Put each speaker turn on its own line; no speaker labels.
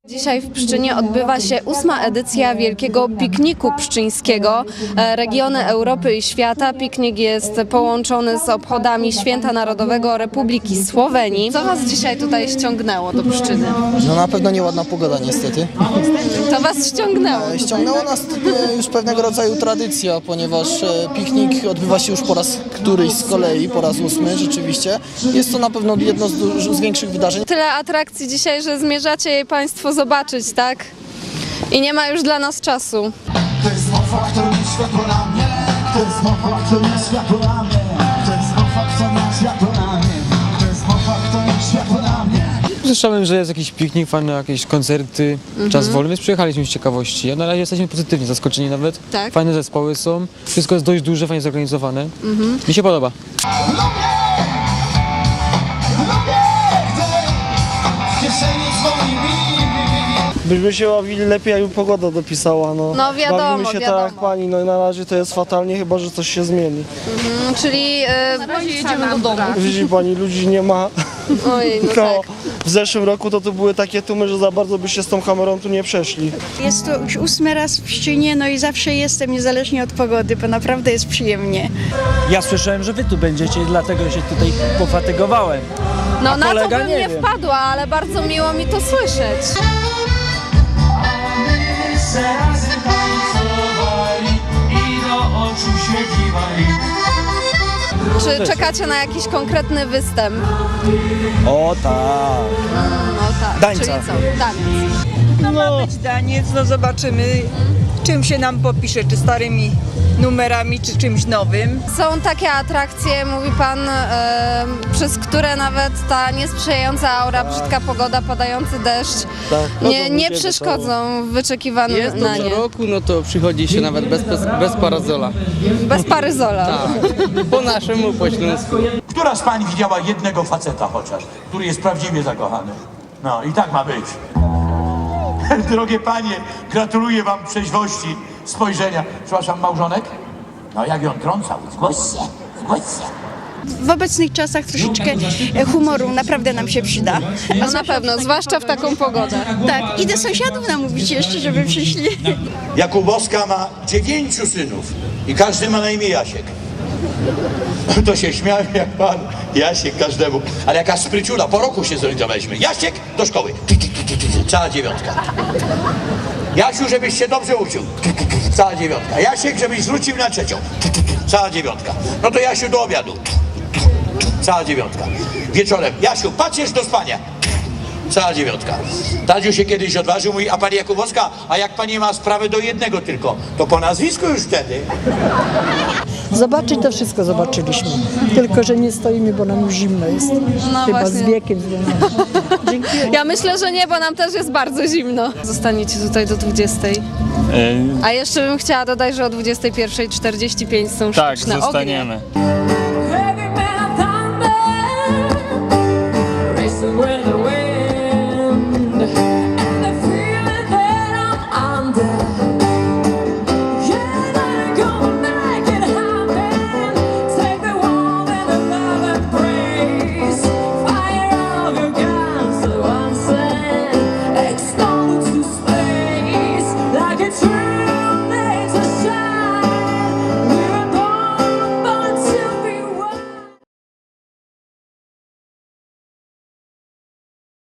Dzisiaj w Pszczynie odbywa się 8. edycja Wielkiego Pikniku Pszczyńskiego. Regiony Europy i świata. Piknik jest połączony z obchodami Święta Narodowego Republiki Słowenii. Co Was dzisiaj tutaj ściągnęło do Pszczyny?
No na pewno nieładna pogoda niestety.
To Was ściągnęło?
Ściągnęło nas już pewnego rodzaju tradycja, ponieważ piknik odbywa się już po raz któryś z kolei, po raz 8 rzeczywiście. Jest to na pewno jedno z większych wydarzeń.
Tyle atrakcji dzisiaj, że zmierzacie je Państwo zobaczyć, tak? I nie ma już dla nas czasu.
To jest mowa, kto nie światło na mnie. To jest mowa, kto nie światło na mnie. To jest mowa, kto nie światło na mnie. To jest mowa, kto nie światło na mnie.
Słyszałem, że jest jakiś piknik, fajne jakieś koncerty, czas wolny, więc przyjechaliśmy z ciekawości. A na razie jesteśmy pozytywnie zaskoczeni nawet.
Tak.
Fajne zespoły są, wszystko jest dość duże, fajnie zorganizowane. Mi się podoba.
W kieszeni swoimi.
Byśmy się bawili lepiej, jakby pogoda dopisała, no.
No wiadomo,
Bawimy się tak jak
wiadomo.
pani, no i na razie to jest fatalnie, chyba że coś się zmieni.
Czyli jedziemy do domu.
Widzi pani, ludzi nie ma.
Ojej, no
No,
tak.
w zeszłym roku to były takie tłumy, że za bardzo byście z tą kamerą tu nie przeszli.
Jest to już 8. raz w Pszczynie, no i zawsze jestem, niezależnie od pogody, bo naprawdę jest przyjemnie.
Ja słyszałem, że wy tu będziecie, dlatego się tutaj pofatygowałem.
No na to
kolega
bym
nie
nie
wiem.
wpadła, ale bardzo miło mi to słyszeć.
Razy tańcowali i do oczu się kiwali.
Czy czekacie na jakiś konkretny występ?
O tak.
No tak.
Dańca.
Czyli co? Taniec.
No ma być daniec, no zobaczymy czym się nam popisze, czy starymi numerami, czy czymś nowym.
Są takie atrakcje, mówi Pan, przez które nawet ta niesprzyjająca aura, brzydka pogoda, padający deszcz nie przeszkodzą w wyczekiwanym
Jest to
na
co
nie.
roku, no to przychodzi się nawet bez parazola.
Bez paryzola.
Tak, po naszemu, po śląsku.
Która z pań widziała jednego faceta chociaż, który jest prawdziwie zakochany? No i tak ma być. Drogie panie, gratuluję wam trzeźwości spojrzenia. Przepraszam, małżonek? No jak ją trącał, zgłoś się, zgłoś się.
W obecnych czasach troszeczkę humoru naprawdę nam się przyda.
No na pewno, zwłaszcza w taką pogodę.
Tak, i do sąsiadów namówić jeszcze, żeby przyszli.
Jakubowska ma 9 synów i każdy ma na imię Jasiek. To się śmiałem jak pan Jasiek każdemu, ale jaka spryciula, po roku się zorientowaliśmy. Jasiek do szkoły, cała 9. Jasiu, żebyś się dobrze uczył, cała 9. Jasiek, żebyś wrócił na 3, cała 9. No to Jasiu do obiadu, cała 9. Wieczorem, Jasiu, patrzysz do spania, cała 9. Tadziu się kiedyś odważył, mówi, a pani Jakubowska, a jak pani ma sprawę do jednego tylko, to po nazwisku już wtedy.
Zobaczyć to wszystko zobaczyliśmy, tylko że nie stoimy, bo nam już zimno jest,
No
chyba
właśnie.
z wiekiem związane. Dziękuję.
Ja myślę, że nie, bo nam też jest bardzo zimno. Zostaniecie tutaj do 20. A jeszcze bym chciała dodać, że o 21:45 są
Tak,
sztuczne ognie.
zostaniemy.